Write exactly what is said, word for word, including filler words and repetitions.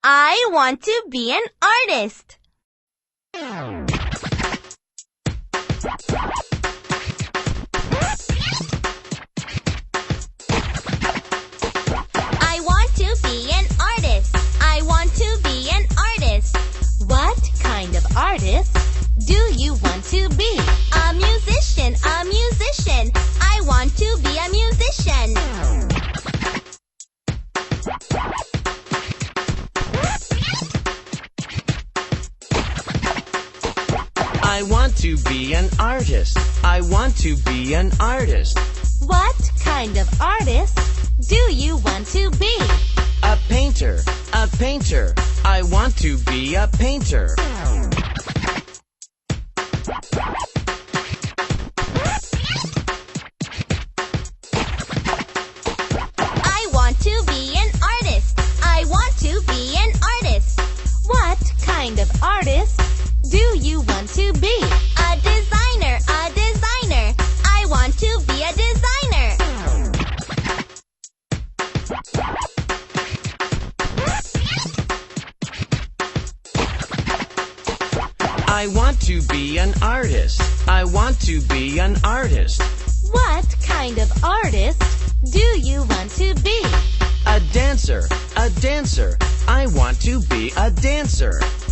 I want to be an artist. I want to be an artist. I want to be an artist. What kind of artist do you want to be? A musician, a musician. I want to be a musician. I want to be an artist. I want to be an artist. What kind of artist do you want to be? A painter, a painter. I want to be a painter. I want to be an artist. I want to be an artist. What kind of artist do you want to be? A designer, a designer. I want to be a designer. I want to be an artist. I want to be an artist. What kind of artist do you want to be? A dancer, a dancer. I want to be a dancer.